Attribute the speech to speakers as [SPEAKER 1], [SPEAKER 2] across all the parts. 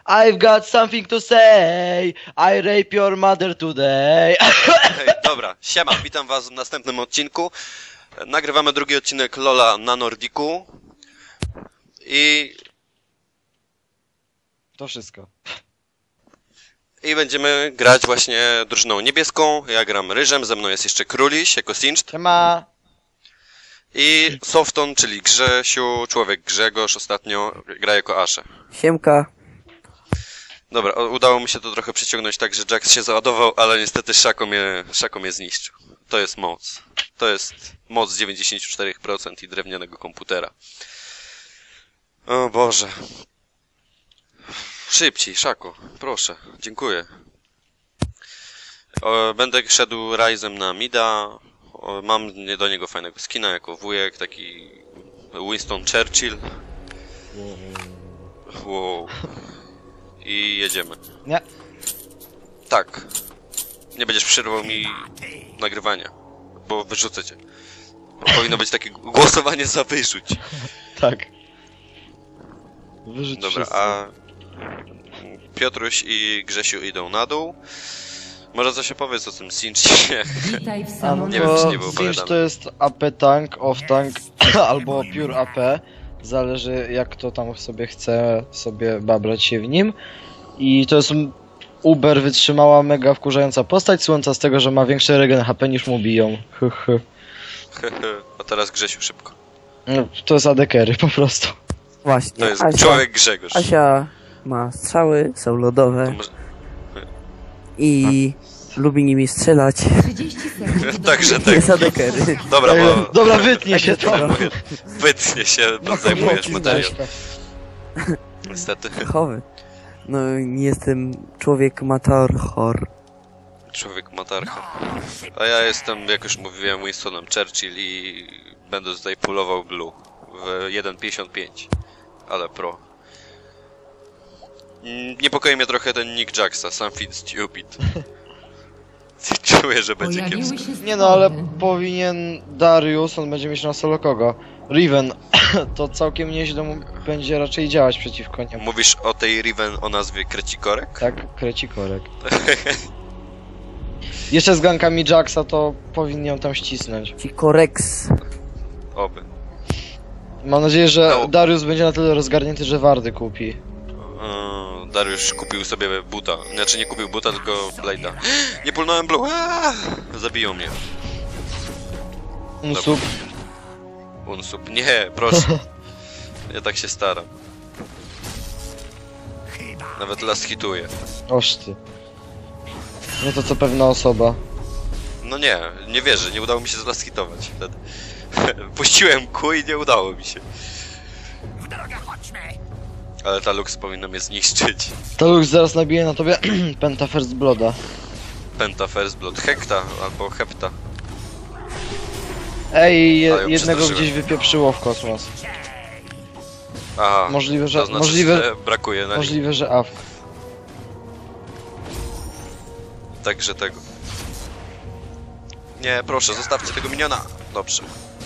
[SPEAKER 1] I've got something to say. I rape your mother today.
[SPEAKER 2] Hej, dobra, siema, witam was w następnym odcinku. Nagrywamy drugi odcinek LoL'a na Nordiku.
[SPEAKER 1] To wszystko.
[SPEAKER 2] I będziemy grać właśnie drużyną niebieską. Ja gram Ryżem, ze mną jest jeszcze Króliś jako Singed.
[SPEAKER 1] Siema.
[SPEAKER 2] I Softon, czyli Grzesiu, człowiek Grzegorz, ostatnio gra jako Ashe.
[SPEAKER 3] Siemka.
[SPEAKER 2] Dobra, udało mi się to trochę przyciągnąć tak, że Jax się załadował, ale niestety Szako mnie zniszczył. To jest moc. To jest moc 94% i drewnianego komputera. O Boże. Szybciej, Szako, proszę, dziękuję. Będę szedł Ryzem na mida. Mam do niego fajnego skina jako wujek, taki Winston Churchill. Wow. I jedziemy.
[SPEAKER 1] Nie.
[SPEAKER 2] Tak. Nie będziesz przerwał mi nagrywania, bo wyrzucę cię. Powinno być takie głosowanie za wyrzuć.
[SPEAKER 1] Tak. Wyrzuć
[SPEAKER 2] Dobra,
[SPEAKER 1] wszystko.
[SPEAKER 2] a Piotruś i Grzesiu idą na dół. Może coś opowiedz o tym Singdzie.
[SPEAKER 4] Witaj w
[SPEAKER 1] A no
[SPEAKER 4] salonie.
[SPEAKER 2] Nie wiem, czy nie było
[SPEAKER 1] to Singe
[SPEAKER 2] opowiadane.
[SPEAKER 1] to jest AP tank, off tank albo pure AP. Zależy jak kto tam sobie chce sobie babrać się w nim. I to jest uber wytrzymała, mega wkurzająca postać. Słońca z tego, że ma większy regen HP niż mu biją.
[SPEAKER 2] A teraz Grzesiu szybko.
[SPEAKER 1] No, to jest AD carry po prostu.
[SPEAKER 3] Właśnie.
[SPEAKER 2] To jest człowiek Grzegorz.
[SPEAKER 3] Asia ma strzały, są
[SPEAKER 2] To
[SPEAKER 3] lodowe
[SPEAKER 2] może...
[SPEAKER 3] i lubi nimi strzelać.
[SPEAKER 4] 30 sekund.
[SPEAKER 2] Także tak.
[SPEAKER 3] Jest adekery.
[SPEAKER 2] Dobra, bo
[SPEAKER 1] Dobra, wytnie się to.
[SPEAKER 2] wytnie się, bo zajmujesz materiał. Niestety.
[SPEAKER 3] Chowy. No nie jestem człowiek matarchor.
[SPEAKER 2] Człowiek matarcha. A ja jestem, jak już mówiłem, Winstonem Churchill i będę tutaj pullował blue w 1.55. Ale pro. Niepokoi mnie trochę ten nick Jaxa, something stupid. Czuję, że będzie
[SPEAKER 4] Pojawiły
[SPEAKER 2] kiepsko.
[SPEAKER 4] się
[SPEAKER 1] Nie no, ale
[SPEAKER 4] składy.
[SPEAKER 1] powinien Darius, on będzie mieć na solo kogo? Riven, to całkiem nieźle mu będzie raczej działać przeciwko niemu.
[SPEAKER 2] Mówisz o tej Riven o nazwie Krecikorek?
[SPEAKER 1] Tak, krecikorek. Jeszcze z gankami Jaxa to powinien ją tam ścisnąć.
[SPEAKER 3] Ci koreks.
[SPEAKER 2] Oby.
[SPEAKER 1] Mam nadzieję, że
[SPEAKER 2] No.
[SPEAKER 1] Darius będzie na tyle rozgarnięty, że Wardy kupi.
[SPEAKER 2] Dariusz kupił sobie buta. Znaczy nie kupił buta, tylko blade'a. Nie pulnąłem blue. Zabiją mnie.
[SPEAKER 1] Unsub.
[SPEAKER 2] Unsub. Nie, proszę. Ja tak się staram. Nawet las hituję.
[SPEAKER 1] Oż ty. Nie to co pewna osoba.
[SPEAKER 2] No nie, nie wierzę, nie udało mi się las hitować wtedy. Puściłem Q i nie udało mi się. Ale ta Lux powinna mnie zniszczyć.
[SPEAKER 1] To Lux zaraz nabije na tobie Penta First Blooda.
[SPEAKER 2] Penta First Blood. Hekta albo Hepta.
[SPEAKER 1] Ej,
[SPEAKER 2] Ale ją
[SPEAKER 1] jednego
[SPEAKER 2] przestraszyłem.
[SPEAKER 1] gdzieś wypieprzyło w kosmos.
[SPEAKER 2] Aha,
[SPEAKER 1] Możliwe, że,
[SPEAKER 2] to znaczy,
[SPEAKER 1] możliwe,
[SPEAKER 2] że brakuje na nim.
[SPEAKER 1] możliwe, że AFK.
[SPEAKER 2] Także tego. Nie, proszę, zostawcie tego miniona. Dobrze.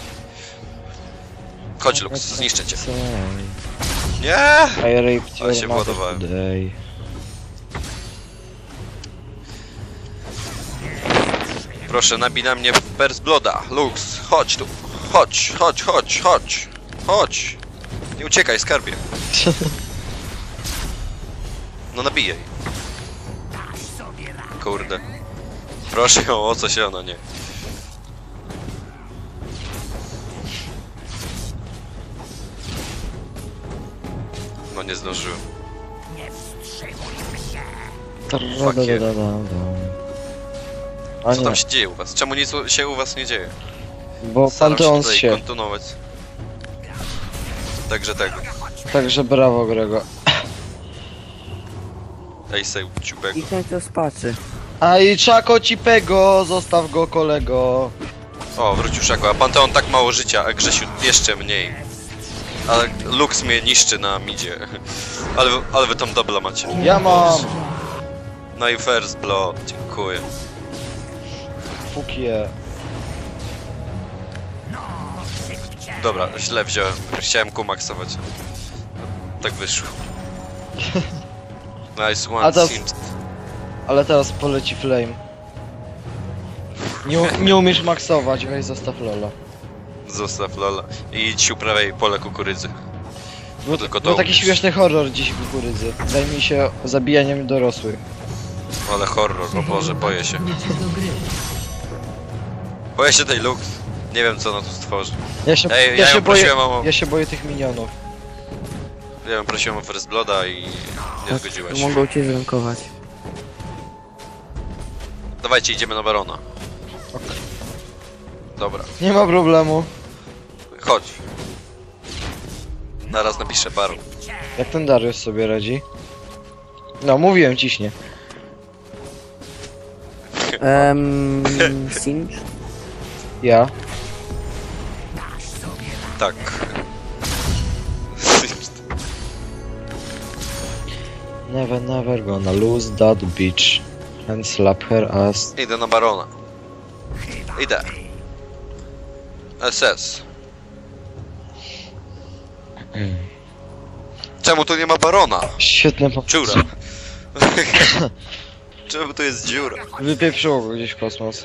[SPEAKER 2] Chodź Lux, zniszczę cię. Nie!
[SPEAKER 1] I raped
[SPEAKER 2] Ale się
[SPEAKER 1] your mother
[SPEAKER 2] władowałem.
[SPEAKER 1] today.
[SPEAKER 2] Proszę, nabij na mnie First Blooda. Lux, chodź tu. Chodź, chodź, chodź, chodź. Chodź. Nie uciekaj, skarbie. No nabijaj. Kurde. Proszę ją o coś, ona nie. No nie zdążyłem. Fuck you.
[SPEAKER 1] A
[SPEAKER 2] Co
[SPEAKER 1] nie,
[SPEAKER 2] tam się dzieje u was? Czemu nic się u was nie dzieje?
[SPEAKER 1] bo
[SPEAKER 2] Staram się
[SPEAKER 1] Panteon
[SPEAKER 2] tutaj
[SPEAKER 1] się.
[SPEAKER 2] kontynuować. Także tego.
[SPEAKER 1] Także brawo Grego.
[SPEAKER 2] Ej, sej, ciupego.
[SPEAKER 3] I ten to spaczy.
[SPEAKER 1] A i Czako Cipego, zostaw go kolego.
[SPEAKER 2] O, wrócił Szako, a Panteon tak mało życia, a Grzesiu jeszcze mniej. Ale Lux mnie niszczy na midzie. Ale wy tam dobla macie.
[SPEAKER 1] Ja mam
[SPEAKER 2] No i First Blood, dziękuję.
[SPEAKER 1] fukie.
[SPEAKER 2] Dobra, źle wziąłem. Chciałem kumaksować. Tak wyszło. Nice
[SPEAKER 1] A
[SPEAKER 2] one,
[SPEAKER 1] to-
[SPEAKER 2] Sims.
[SPEAKER 1] Ale teraz poleci flame. Nie umiesz maksować, weź zostaw lola.
[SPEAKER 2] Zostaw Lola. I idź uprawiaj pole kukurydzy.
[SPEAKER 1] Był,
[SPEAKER 2] tylko to
[SPEAKER 1] był taki
[SPEAKER 2] umiesz.
[SPEAKER 1] śmieszny horror dziś w kukurydzy. Zajmij się zabijaniem dorosłych.
[SPEAKER 2] Ale horror, o Boże, boję się.
[SPEAKER 4] Wrócić do gry.
[SPEAKER 2] Boję się tej Lux. Nie wiem co ona tu stworzy.
[SPEAKER 1] Ja się,
[SPEAKER 2] Ej,
[SPEAKER 1] ja
[SPEAKER 2] ja
[SPEAKER 1] się
[SPEAKER 2] ją
[SPEAKER 1] boję.
[SPEAKER 2] prosiłem o...
[SPEAKER 1] Ja się boję tych minionów.
[SPEAKER 2] Ja ją prosiłem o First Blooda i nie zgodziła się.
[SPEAKER 3] Mogą cię zrankować.
[SPEAKER 2] Dawajcie, idziemy na Barona.
[SPEAKER 1] Ok.
[SPEAKER 2] Dobra,
[SPEAKER 1] Nie ma problemu.
[SPEAKER 2] chodź. Naraz napiszę Baron.
[SPEAKER 1] Jak ten Darius sobie radzi? No, mówiłem ciśnie.
[SPEAKER 3] Singe?
[SPEAKER 1] Ja.
[SPEAKER 2] Tak.
[SPEAKER 1] Never gonna lose that bitch. And slap her ass.
[SPEAKER 2] Idę na Barona. Idę. SS. Czemu tu nie ma Barona?
[SPEAKER 1] Świetne po...
[SPEAKER 2] Dziura. Czemu tu jest dziura?
[SPEAKER 1] Wypieprzyło go gdzieś w kosmos.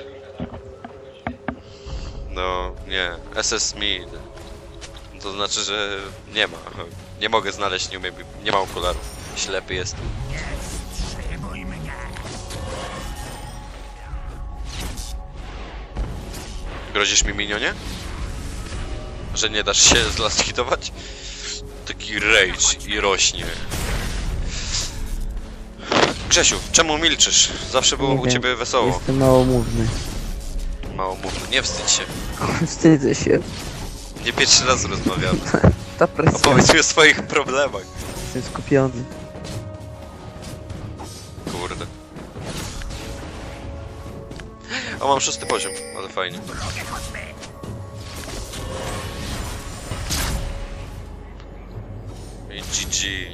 [SPEAKER 2] No, nie. SS Mid. To znaczy, że nie ma. Nie mogę znaleźć, nie umiem, nie ma okularów. Ślepy jest. Grozisz mi, minionie? Że nie dasz się zlasthitować? Taki rage i rośnie. Grzesiu, czemu milczysz? Zawsze było
[SPEAKER 3] Nie
[SPEAKER 2] u
[SPEAKER 3] wiem.
[SPEAKER 2] ciebie wesoło.
[SPEAKER 3] Jestem małomówny.
[SPEAKER 2] Mało mówno, nie wstydź się.
[SPEAKER 3] Wstydzę się.
[SPEAKER 2] Nie pierwszy raz rozmawiamy.
[SPEAKER 3] Ta presja.
[SPEAKER 2] Opowiedz mi o swoich problemach.
[SPEAKER 3] Jestem skupiony.
[SPEAKER 2] Kurde. O, mam 6 poziom, ale fajnie. I GG.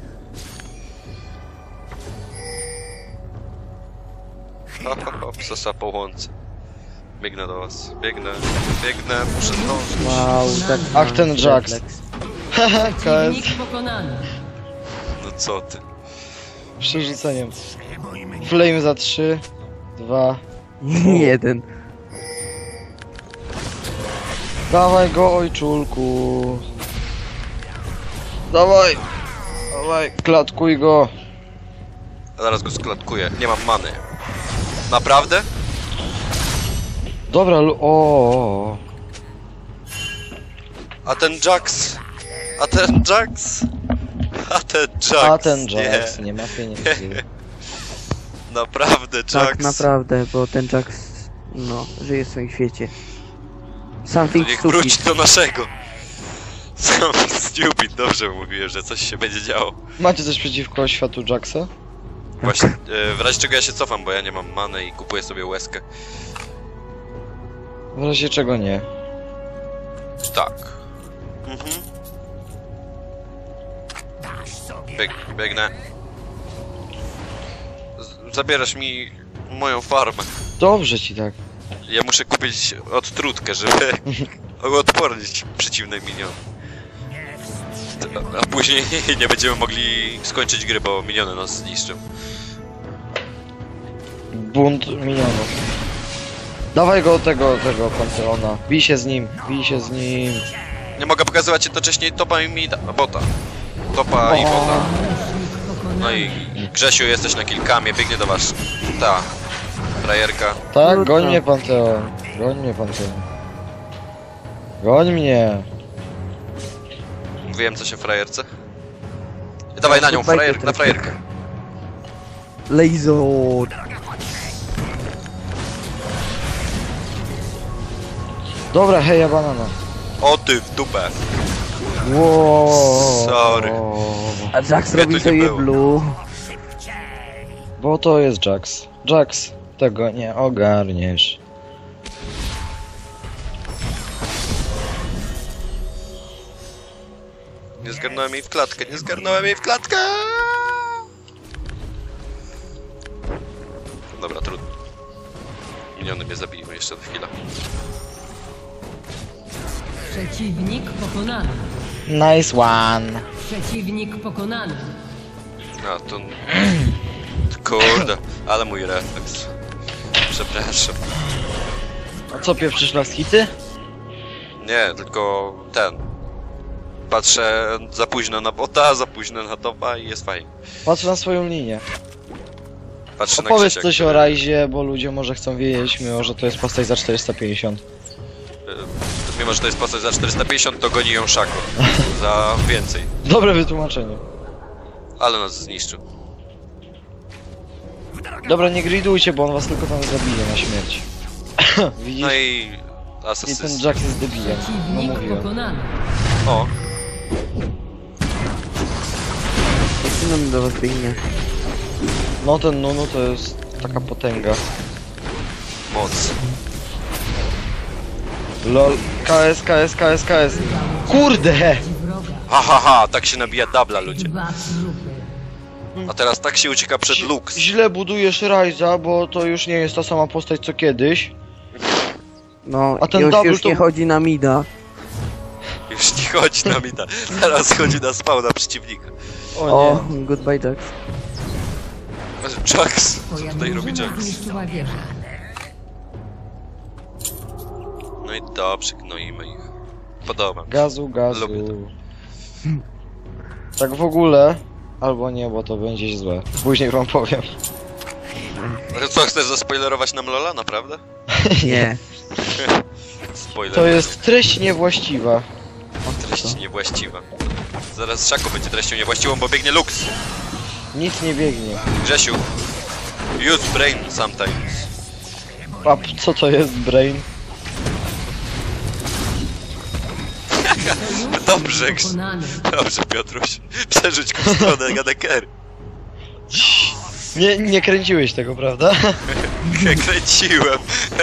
[SPEAKER 2] Hop, hop, hop, sosa po łące. Biegnę do was. Biegnę, muszę zdążyć.
[SPEAKER 3] Wow, tak.
[SPEAKER 1] Ach, ten Jax.
[SPEAKER 3] refleks.
[SPEAKER 1] Haha, KS.
[SPEAKER 4] Przeciwnik pokonany.
[SPEAKER 2] No co ty?
[SPEAKER 1] Przerzuceniem. Flame za 3, 2.
[SPEAKER 3] Jeden.
[SPEAKER 1] Dawaj go, ojczulku. Dawaj. Dawaj, klatkuj go.
[SPEAKER 2] Zaraz go sklatkuję. Nie mam many. Naprawdę?
[SPEAKER 1] Dobra, o.
[SPEAKER 2] A ten Jax? A ten Jax? A ten Jax?
[SPEAKER 1] A ten Jax, nie ma pieniędzy.
[SPEAKER 2] Naprawdę Jax?
[SPEAKER 3] Tak, naprawdę, bo ten Jax, no, żyje w swoim świecie. Something
[SPEAKER 2] Niech wróci
[SPEAKER 3] stupid.
[SPEAKER 2] do naszego. Something stupid, dobrze mówiłem, że coś się będzie działo.
[SPEAKER 1] Macie coś przeciwko światu Jaxa?
[SPEAKER 2] Właśnie, w razie czego ja się cofam, bo ja nie mam many i kupuję sobie łezkę.
[SPEAKER 1] W razie czego nie.
[SPEAKER 2] Tak. Mhm. Biegnę. Zabierasz mi moją farmę.
[SPEAKER 1] Dobrze ci tak.
[SPEAKER 2] Ja muszę kupić odtrutkę, żeby odpornić przeciwne miniony. A później nie będziemy mogli skończyć gry, bo miniony nas zniszczą.
[SPEAKER 1] Bunt minionów. Dawaj go tego Panteona. Bij się z nim, bij się z nim.
[SPEAKER 2] Nie mogę pokazywać jednocześnie topa i mida, bota. Topa i bota. No i Grzesiu, jesteś na kilkamie, biegnie do was. Ta frajerka.
[SPEAKER 1] Tak,
[SPEAKER 3] Trudno.
[SPEAKER 1] goń mnie Panteon. Goń mnie Panteon. Goń mnie.
[SPEAKER 2] Mówiłem coś o frajerce. Dawaj na nią, na frajerkę.
[SPEAKER 3] Laser.
[SPEAKER 1] Dobra, heja banana.
[SPEAKER 2] O ty w dupę.
[SPEAKER 1] Wow.
[SPEAKER 2] Sorry.
[SPEAKER 3] A Jax
[SPEAKER 2] Mnie
[SPEAKER 3] robi
[SPEAKER 2] tu
[SPEAKER 3] to
[SPEAKER 2] nie
[SPEAKER 3] je
[SPEAKER 2] było.
[SPEAKER 3] blue.
[SPEAKER 1] Bo to jest Jax. Jax, tego nie ogarniesz.
[SPEAKER 2] Nie zgarnąłem jej w klatkę, nie zgarnąłem jej w klatkę! Dobra, trudno. Miniony mnie zabiją jeszcze do chwila.
[SPEAKER 4] Przeciwnik pokonany.
[SPEAKER 1] Nice one.
[SPEAKER 4] Przeciwnik pokonany.
[SPEAKER 2] A, to... Kurde, ale mój refleks. Przepraszam.
[SPEAKER 1] A co, pieprzysz las hity?
[SPEAKER 2] Nie, tylko ten. Patrzę za późno na bota, za późno na topa i jest fajnie.
[SPEAKER 1] Patrz na swoją linię.
[SPEAKER 2] Patrzę na
[SPEAKER 1] Opowiedz
[SPEAKER 2] Krzysiek,
[SPEAKER 1] coś o
[SPEAKER 2] który-
[SPEAKER 1] Rajzie, bo ludzie może chcą wiedzieć, mimo że to jest postać za 450.
[SPEAKER 2] Mimo, że to jest postać za 450, to goni ją Szako. Za więcej.
[SPEAKER 1] Dobre wytłumaczenie.
[SPEAKER 2] Ale nas zniszczył.
[SPEAKER 1] Dobra, nie gridujcie, bo on was tylko tam zabije na śmierć. Widzisz?
[SPEAKER 2] No i...
[SPEAKER 1] I ten
[SPEAKER 2] Asasyst.
[SPEAKER 1] Jax jest debilem. No
[SPEAKER 4] Przeciwnik
[SPEAKER 1] mówiłem.
[SPEAKER 4] pokonany.
[SPEAKER 2] O,
[SPEAKER 3] Jak nam do was biegnie?
[SPEAKER 1] No ten Nunu to jest taka potęga.
[SPEAKER 2] moc.
[SPEAKER 1] LOL. KS, KS, KS, KS. Kurde!
[SPEAKER 4] Wroga.
[SPEAKER 2] Ha, ha, ha, tak się nabija dubla, ludzie.
[SPEAKER 4] 2 trupy.
[SPEAKER 2] A teraz tak się ucieka przed Lux.
[SPEAKER 1] Źle budujesz Rajza, bo to już nie jest ta sama postać co kiedyś.
[SPEAKER 3] No,
[SPEAKER 1] A ten
[SPEAKER 3] już,
[SPEAKER 1] double
[SPEAKER 3] już
[SPEAKER 1] to-
[SPEAKER 3] nie chodzi na mida.
[SPEAKER 2] Już nie chodzi na mida. Teraz chodzi na spawna przeciwnika.
[SPEAKER 1] O
[SPEAKER 3] O,
[SPEAKER 1] nie.
[SPEAKER 3] goodbye Jax.
[SPEAKER 2] Jax. Co
[SPEAKER 4] Twoja
[SPEAKER 2] tutaj robi
[SPEAKER 4] drużyna
[SPEAKER 2] Jax?
[SPEAKER 4] zniszczyła wieżę.
[SPEAKER 2] No i dobrze, gnoimy ich. Podoba mi się.
[SPEAKER 1] Gazu, gazu.
[SPEAKER 2] Lubię to.
[SPEAKER 1] Tak w ogóle. Albo nie, bo to będzie złe. Później wam powiem.
[SPEAKER 2] Ale co, chcesz zaspoilerować nam Lola, naprawdę?
[SPEAKER 3] Nie.
[SPEAKER 2] Spoiler.
[SPEAKER 1] To jest treść niewłaściwa.
[SPEAKER 2] treść niewłaściwa. Zaraz Szako będzie treścią niewłaściwą, bo biegnie Lux.
[SPEAKER 1] Nic nie biegnie.
[SPEAKER 2] Grzesiu. Use brain sometimes.
[SPEAKER 1] A co to jest brain?
[SPEAKER 2] Dobrze,
[SPEAKER 4] Pokonany.
[SPEAKER 2] dobrze Piotruś. Przerzuć go w stronę Gadeker.
[SPEAKER 1] Nie kręciłeś tego, prawda?
[SPEAKER 2] Kręciłem.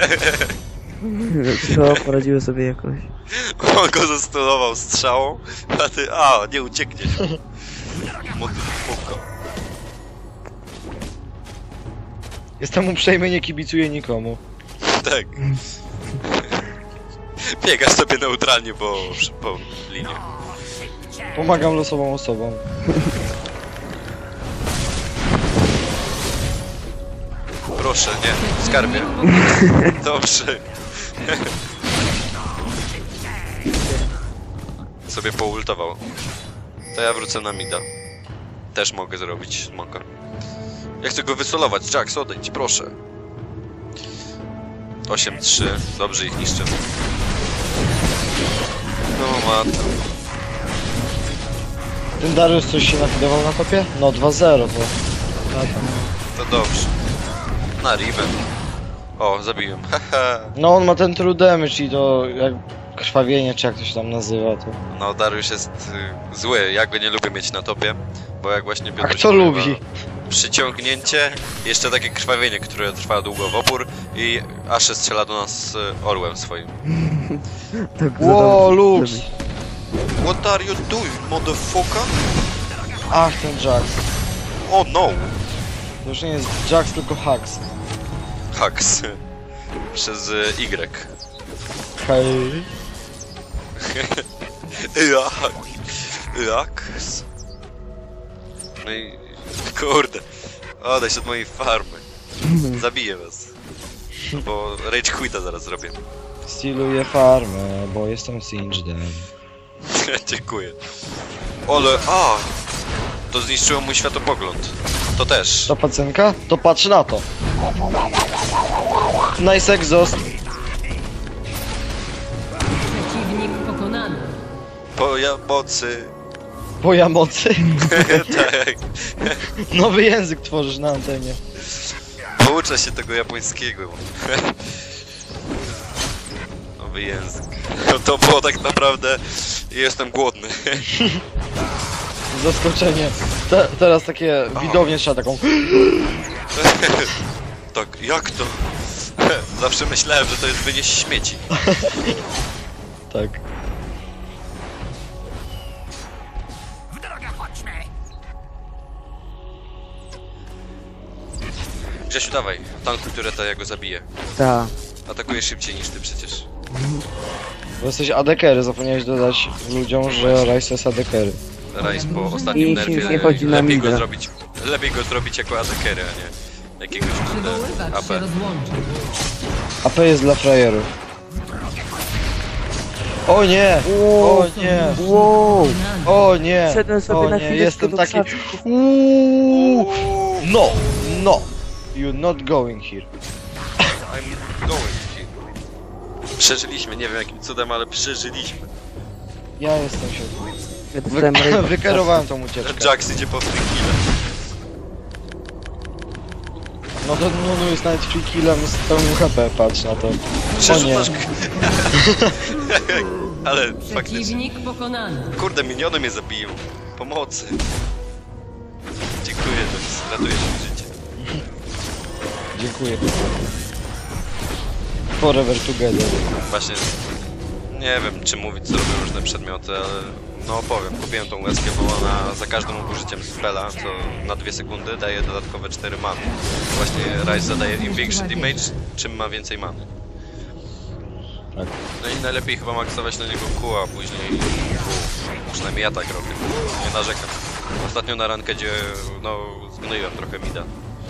[SPEAKER 3] Cicho, poradziły sobie jakoś.
[SPEAKER 2] On go zastunował strzałą, a ty... A, nie uciekniesz. Motyfuko.
[SPEAKER 1] Jestem uprzejmy, nie kibicuję nikomu.
[SPEAKER 2] Tak. Biegasz sobie neutralnie po linii.
[SPEAKER 1] Pomagam losową osobom.
[SPEAKER 2] Proszę, nie, skarbie. Dobrze. Sobie poultował. To ja wrócę na mida. Też mogę zrobić smoka. Ja chcę go wysolować. Jax, odejdź, proszę. 8-3. Dobrze ich niszczę. No matko.
[SPEAKER 1] Ten Darius coś się nafidował na topie? No 2-0 to.
[SPEAKER 2] To dobrze. Na Riven. O, zabiłem. Haha.
[SPEAKER 1] No on ma ten true damage i to jak krwawienie, czy jak to się tam nazywa, to...
[SPEAKER 2] No, Dariusz jest zły. Ja go nie lubię mieć na topie. Bo jak właśnie
[SPEAKER 1] A
[SPEAKER 2] Piotr
[SPEAKER 1] kto lubi?
[SPEAKER 2] Przyciągnięcie, jeszcze takie krwawienie, które trwa długo w opór i Ashe strzela do nas orłem swoim.
[SPEAKER 3] Tak
[SPEAKER 1] Ło, Lux!
[SPEAKER 2] What are you doing, motherfucker?
[SPEAKER 1] Ach, ten Jax.
[SPEAKER 2] Oh no!
[SPEAKER 1] To już nie jest Jax, tylko Hax.
[SPEAKER 2] Haks. Przez Y.
[SPEAKER 1] Hej.
[SPEAKER 2] Haks. No i... Kurde. Odejdź od mojej farmy. Zabiję was. Bo rage quita zaraz zrobię.
[SPEAKER 1] Stealuję farmę, bo jestem Singedem.
[SPEAKER 2] Dziękuję. Ale... A! To zniszczyło mój światopogląd. To też.
[SPEAKER 1] To pacynka? To patrz na to. Nice exhaust.
[SPEAKER 4] Przeciwnik pokonany.
[SPEAKER 2] Po ja mocy.
[SPEAKER 1] Boja mocy.
[SPEAKER 2] Tak.
[SPEAKER 1] Nowy język tworzysz na antenie.
[SPEAKER 2] Pouczę się tego japońskiego. Nowy język. To było tak naprawdę... Jestem głodny.
[SPEAKER 1] Zaskoczenie. Teraz takie widownie trzeba taką...
[SPEAKER 2] Tak, jak to? Zawsze myślałem, że to jest wynieść śmieci.
[SPEAKER 1] Tak.
[SPEAKER 2] Grzesiu, dawaj, tankuj tureta, ja go zabiję.
[SPEAKER 3] Ta.
[SPEAKER 2] Atakuję szybciej niż ty przecież.
[SPEAKER 1] Bo jesteś adekery, zapomniałeś dodać ludziom, że Rice jest adekery.
[SPEAKER 2] Rice po ostatnim
[SPEAKER 3] I
[SPEAKER 2] nerfie
[SPEAKER 3] nie chodzi na
[SPEAKER 2] lepiej go
[SPEAKER 3] mida.
[SPEAKER 2] zrobić Lepiej go zrobić jako atakera, a nie jakiegoś
[SPEAKER 4] Przywoływacz
[SPEAKER 2] AP.
[SPEAKER 4] się rozłączył.
[SPEAKER 1] AP jest dla frajerów. O nie! O nie!
[SPEAKER 3] Wow!
[SPEAKER 1] O nie!
[SPEAKER 3] Wszedłem sobie
[SPEAKER 1] O
[SPEAKER 3] na
[SPEAKER 1] nie!
[SPEAKER 3] chwileczkę
[SPEAKER 1] Jestem
[SPEAKER 3] do
[SPEAKER 1] taki...
[SPEAKER 3] krzaczków.
[SPEAKER 1] Uuuu! No! No! You're not going here.
[SPEAKER 2] I'm going here. Przeżyliśmy, nie wiem jakim cudem, ale przeżyliśmy.
[SPEAKER 1] Ja jestem się...
[SPEAKER 3] Ja dostałem raid-
[SPEAKER 1] Wykierowałem tą ucieczkę.
[SPEAKER 2] Jax idzie po free killa.
[SPEAKER 1] No to Nunu jest nawet free killem z pełnym HP, patrz na to. O nie.
[SPEAKER 2] Przerzucasz... Ale faktycznie...
[SPEAKER 4] Przeciwnik pokonany.
[SPEAKER 2] Kurde, miniony mnie zabiją. Pomocy. Dziękuję, Jax. Ratujesz mi życie.
[SPEAKER 1] Dziękuję. Forever together.
[SPEAKER 2] Właśnie... Nie wiem, czy mówić, co robią różne przedmioty, ale... No powiem, kupiłem tą łezkę, bo ona za każdym użyciem spela, co na 2 sekundy daje dodatkowe 4 many. Właśnie Ryze zadaje im większy damage, czym ma więcej many.
[SPEAKER 1] Tak.
[SPEAKER 2] No i najlepiej chyba maksować na niego Q, a później Q. Przynajmniej ja tak robię. Nie narzekam. Ostatnio na rankedzie, no, zgnoiłem trochę mida.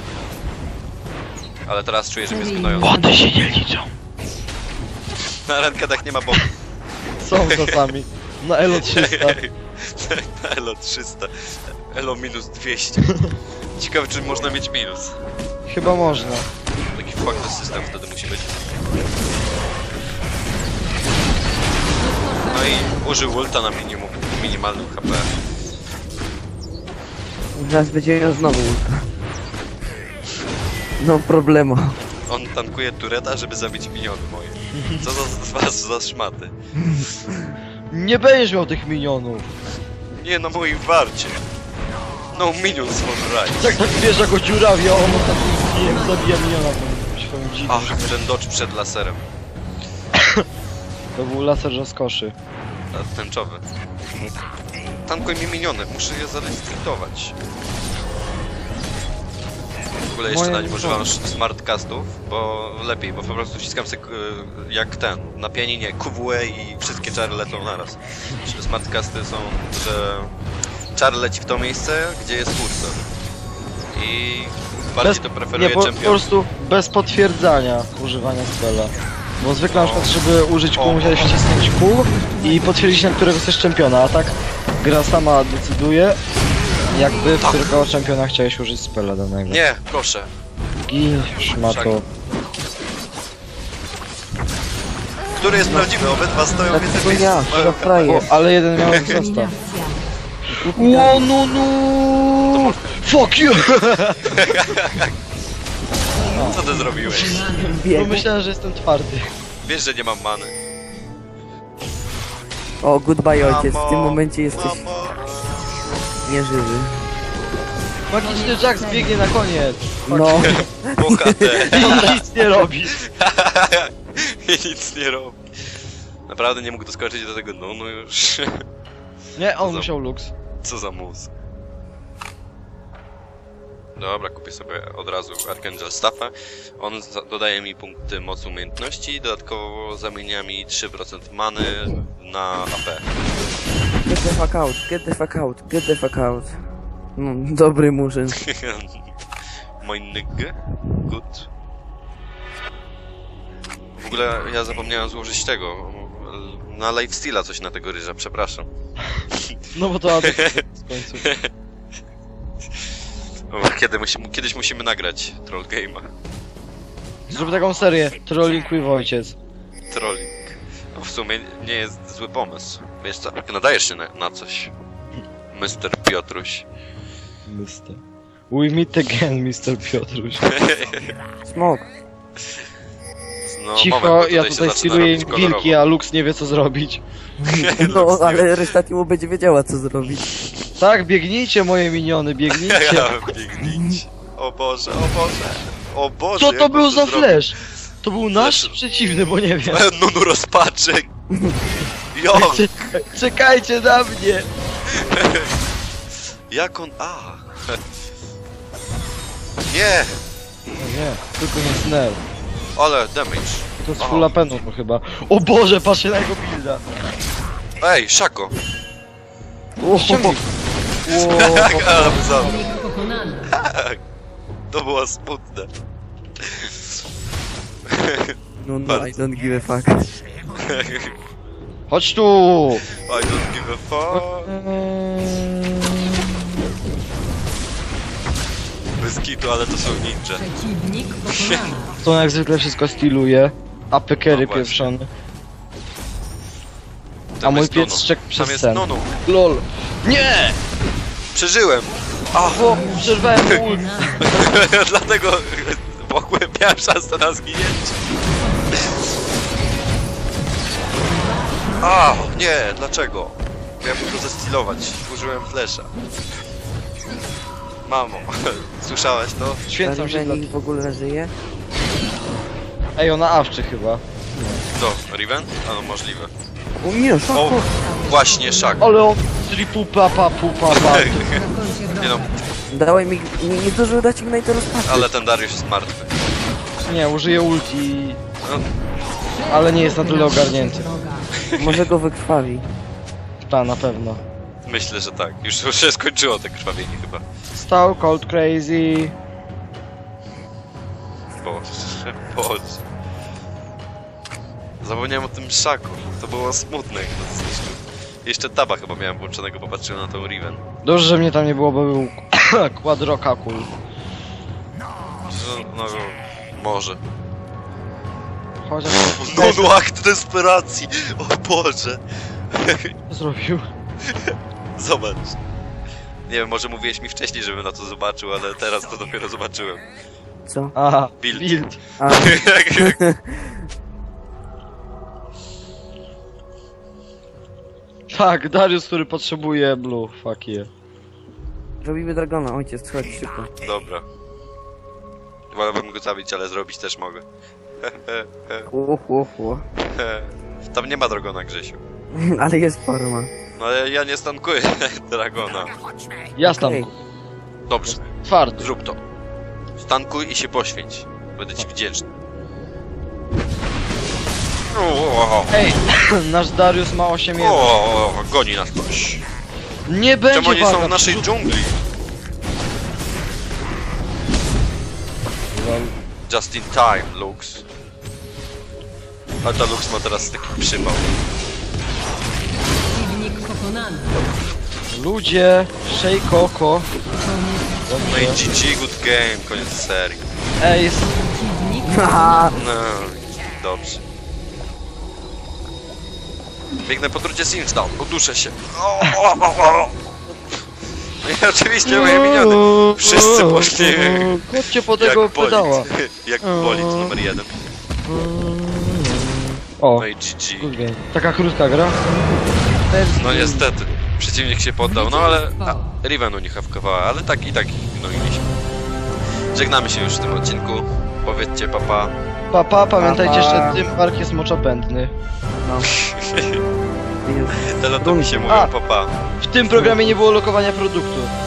[SPEAKER 2] Ale teraz czuję, że mnie zgnoją.
[SPEAKER 1] Body się nie liczą.
[SPEAKER 2] Na rankedach nie ma bomb.
[SPEAKER 1] Są czasami. Na Elo 300.
[SPEAKER 2] Na Elo 300. Elo minus 200. Ciekawe, czy można mieć minus.
[SPEAKER 1] Chyba można.
[SPEAKER 2] Taki fuck system wtedy musi być. No i użył ulta na minimalnym HP.
[SPEAKER 3] Zaraz będzie miał znowu ulta. No problemu.
[SPEAKER 2] On tankuje tureta, żeby zabić miniony moje. Co z was za szmaty?
[SPEAKER 1] Nie będziesz miał tych minionów.
[SPEAKER 2] Nie na moim warcie. No minions for right.
[SPEAKER 1] Jak tak wiesz, jak go dziurawia, on ostatnim zabija miniona swoim dziwnym.
[SPEAKER 2] Ach, ten dodge przed laserem.
[SPEAKER 1] To był laser rozkoszy.
[SPEAKER 2] Tęczowy. Tankuj mi miniony, muszę je zarejestrować. W ogóle jeszcze na nim używam smartcastów, bo lepiej, bo po prostu wciskam sobie jak ten, na pianinie QWE i wszystkie czary lecą naraz. Smartcasty są, że czar leci w to miejsce, gdzie jest kursor. I bardziej to preferuje
[SPEAKER 1] Nie, po
[SPEAKER 2] champion.
[SPEAKER 1] prostu bez potwierdzania używania spela. Bo zwykle na przykład, żeby użyć kół, musiałeś wcisnąć kół i potwierdzić, na którego chcesz czempiona, a tak gra sama decyduje, jakby w którego czempiona chciałeś użyć spela danego.
[SPEAKER 2] Nie, proszę.
[SPEAKER 1] Gin, szmato.
[SPEAKER 2] Który jest prawdziwy? Obydwa stoją
[SPEAKER 3] Tak
[SPEAKER 2] więcej
[SPEAKER 3] to
[SPEAKER 2] miejsc.
[SPEAKER 3] ja, to frajer.
[SPEAKER 1] O, ale jeden miał zostaw.
[SPEAKER 4] Dominacja.
[SPEAKER 1] Ło, no! Fuck you!
[SPEAKER 2] Co ty zrobiłeś?
[SPEAKER 1] Bo
[SPEAKER 3] Biegł.
[SPEAKER 1] myślałem, że jestem twardy.
[SPEAKER 2] Wiesz, że nie mam many.
[SPEAKER 3] O, goodbye ojciec, w tym
[SPEAKER 2] Mamo,
[SPEAKER 3] momencie jesteś
[SPEAKER 2] mamo.
[SPEAKER 3] nieżywy.
[SPEAKER 1] Magiczny Jax biegnie na koniec.
[SPEAKER 3] No,
[SPEAKER 2] Bohater.
[SPEAKER 1] I nic nie robi.
[SPEAKER 2] I nic nie robi. Naprawdę nie mógł doskoczyć do tego no już.
[SPEAKER 1] Nie, on
[SPEAKER 2] Za-
[SPEAKER 1] musiał lux.
[SPEAKER 2] Co za mózg. Dobra, kupię sobie od razu Archangel Staffa. On dodaje mi punkty mocy umiejętności i dodatkowo zamienia mi 3% many na AP.
[SPEAKER 3] get the fuck out, get the fuck out, get the fuck out. No, dobry murzyn.
[SPEAKER 2] Mój nigg. Good. W ogóle ja zapomniałem złożyć tego. Na lifesteala coś na tego ryża, przepraszam.
[SPEAKER 1] No bo to w końcu.
[SPEAKER 2] O, kiedyś musimy nagrać Troll Game'a.
[SPEAKER 1] Zrób taką serię. Trolling with ojciec.
[SPEAKER 2] Trolling. No w sumie nie jest zły pomysł. Wiesz co, nadajesz się na coś. Mr. Piotruś.
[SPEAKER 1] Mister. We meet again, Mr. Piotruś.
[SPEAKER 3] Smok.
[SPEAKER 2] No,
[SPEAKER 1] Cicho,
[SPEAKER 2] moment, bo
[SPEAKER 1] ja
[SPEAKER 2] się
[SPEAKER 1] tutaj
[SPEAKER 2] zaczyna
[SPEAKER 1] skiluję
[SPEAKER 2] robić
[SPEAKER 1] im wilki,
[SPEAKER 2] kolorowo.
[SPEAKER 1] a Lux nie wie co zrobić.
[SPEAKER 3] No, ale reszta teamu będzie wiedziała co zrobić.
[SPEAKER 1] Tak, biegnijcie moje miniony, biegnijcie.
[SPEAKER 2] Ja biegnijcie. O Boże, o Boże. O Boże,
[SPEAKER 1] Co
[SPEAKER 2] jak
[SPEAKER 1] to
[SPEAKER 2] on
[SPEAKER 1] był za
[SPEAKER 2] zrobił?
[SPEAKER 1] flash? To był nasz
[SPEAKER 2] Flash.
[SPEAKER 1] przeciwny, bo nie wiem.
[SPEAKER 2] Nunu rozpaczek. Jo,
[SPEAKER 1] Czekajcie na mnie!
[SPEAKER 2] jak on... Nie,
[SPEAKER 1] No nie, tylko nie snell.
[SPEAKER 2] ale damage.
[SPEAKER 1] To jest
[SPEAKER 2] Aha.
[SPEAKER 1] full apenu to chyba. O Boże, patrzcie na jego builda.
[SPEAKER 2] Ej, Szako.
[SPEAKER 1] Ściągnij. Ło,
[SPEAKER 2] Ale mu zabrał.
[SPEAKER 4] Przeciwnik pokonany. pokonany.
[SPEAKER 2] To było smutne.
[SPEAKER 3] No,
[SPEAKER 2] Bardzo.
[SPEAKER 3] I don't give a fuck.
[SPEAKER 1] Chodź tu!
[SPEAKER 2] I don't give a fuck. Bez kitu, ale to są ninja.
[SPEAKER 4] Przeciwnik pokonany.
[SPEAKER 1] To jak zwykle wszystko styluje. APK-ery
[SPEAKER 2] No właśnie.
[SPEAKER 1] pieprzone.
[SPEAKER 2] Tam
[SPEAKER 1] A mój
[SPEAKER 2] jest
[SPEAKER 1] pies
[SPEAKER 2] Nunu.
[SPEAKER 1] szczekł
[SPEAKER 2] Tam
[SPEAKER 1] przez
[SPEAKER 2] jest
[SPEAKER 1] sen.
[SPEAKER 2] Nunu.
[SPEAKER 1] LOL. Nie!
[SPEAKER 2] Przeżyłem.
[SPEAKER 1] O, przerwałem mu ult.
[SPEAKER 2] Dlatego mogłem, miałem szansę na zginięcie. A, nie, dlaczego? Miałem go zestilować. Użyłem flesza. Mamo, słyszałaś to?
[SPEAKER 1] Święcam się dla...
[SPEAKER 3] Nikt w ogóle żyje?
[SPEAKER 1] Ej, ona awczy chyba.
[SPEAKER 2] Co, Riven? A no możliwe.
[SPEAKER 3] O nie, szok,
[SPEAKER 2] O, właśnie, szak.
[SPEAKER 1] Ale on... Tripu papa pupa pa.
[SPEAKER 2] Nie no,
[SPEAKER 3] Dawaj mi... Nie zdążył dać Ignite rozpaczy.
[SPEAKER 2] ale ten Dariusz jest martwy.
[SPEAKER 1] Nie, użyję ulti.
[SPEAKER 2] No,
[SPEAKER 1] Ale nie jest na tyle ogarnięty.
[SPEAKER 3] Może go wykrwawi.
[SPEAKER 1] Ta, na pewno.
[SPEAKER 2] myślę, że tak. Już się skończyło te krwawienie chyba.
[SPEAKER 1] Stał cold crazy.
[SPEAKER 2] Boże, Boże. Zapomniałem o tym szaku. To było smutne, jak nas zniszczył. Jeszcze taba chyba miałem włączonego, bo patrzyłem na tą Riven.
[SPEAKER 1] Dobrze, że mnie tam nie było, bo był quadrokakul.
[SPEAKER 2] No, może.
[SPEAKER 1] Chociaż...
[SPEAKER 2] No, akt desperacji! O Boże!
[SPEAKER 1] Co zrobił?
[SPEAKER 2] Zobacz. Nie wiem, może mówiłeś mi wcześniej, żebym na to zobaczył, ale teraz to dopiero zobaczyłem.
[SPEAKER 3] Co?
[SPEAKER 1] Aha,
[SPEAKER 2] Build.
[SPEAKER 1] build.
[SPEAKER 3] A,
[SPEAKER 1] Tak, Darius, który potrzebuje blue. Fuck yeah.
[SPEAKER 3] robimy Dragona, ojciec, chodź szybko.
[SPEAKER 2] Dobra. Wolałbym go zabić, ale zrobić też mogę. Tam nie ma Dragona, Grzesiu.
[SPEAKER 3] Ale jest forma.
[SPEAKER 2] No ale ja nie stankuję Dragona.
[SPEAKER 1] Ja
[SPEAKER 3] Okej.
[SPEAKER 1] stanku.
[SPEAKER 2] Dobrze,
[SPEAKER 1] Twardy.
[SPEAKER 2] zrób to. Stankuj i się poświęć. Będę ci wdzięczny.
[SPEAKER 1] Ej, nasz Darius ma 8 1.
[SPEAKER 2] O, goni nas ktoś.
[SPEAKER 1] Nie będzie
[SPEAKER 2] Czemu oni
[SPEAKER 1] waga,
[SPEAKER 2] są w naszej dżungli? Just in time, Lux. A ta Lux ma teraz taki przypał.
[SPEAKER 4] Przeciwnik pokonany.
[SPEAKER 1] Ludzie, Shejkoko.
[SPEAKER 2] No i GG, good game, koniec serii.
[SPEAKER 1] Ej,
[SPEAKER 4] Przeciwnik
[SPEAKER 3] Haha,
[SPEAKER 2] No, dobrze. Biegnę po drucie Simsdown, uduszę się. No i oczywiście moje miniony. Wszyscy poszli
[SPEAKER 1] Chodźcie po tego
[SPEAKER 2] jak
[SPEAKER 1] pedała.
[SPEAKER 2] bolid. Jak bolid numer 1.
[SPEAKER 1] O,
[SPEAKER 2] No i GG.
[SPEAKER 1] good game. Taka krótka gra.
[SPEAKER 2] No niestety. Przeciwnik się poddał, no ale Riven u nich hawkowała, ale tak i tak ich gnojiliśmy. Żegnamy się już w tym odcinku. Powiedzcie papa.
[SPEAKER 1] Papa, pamiętajcie,
[SPEAKER 3] Pa, pa.
[SPEAKER 1] że tym park jest moczopędny.
[SPEAKER 3] no.
[SPEAKER 2] Teletopi się mówią
[SPEAKER 1] A.
[SPEAKER 2] papa.
[SPEAKER 1] W tym programie nie było lokowania produktu.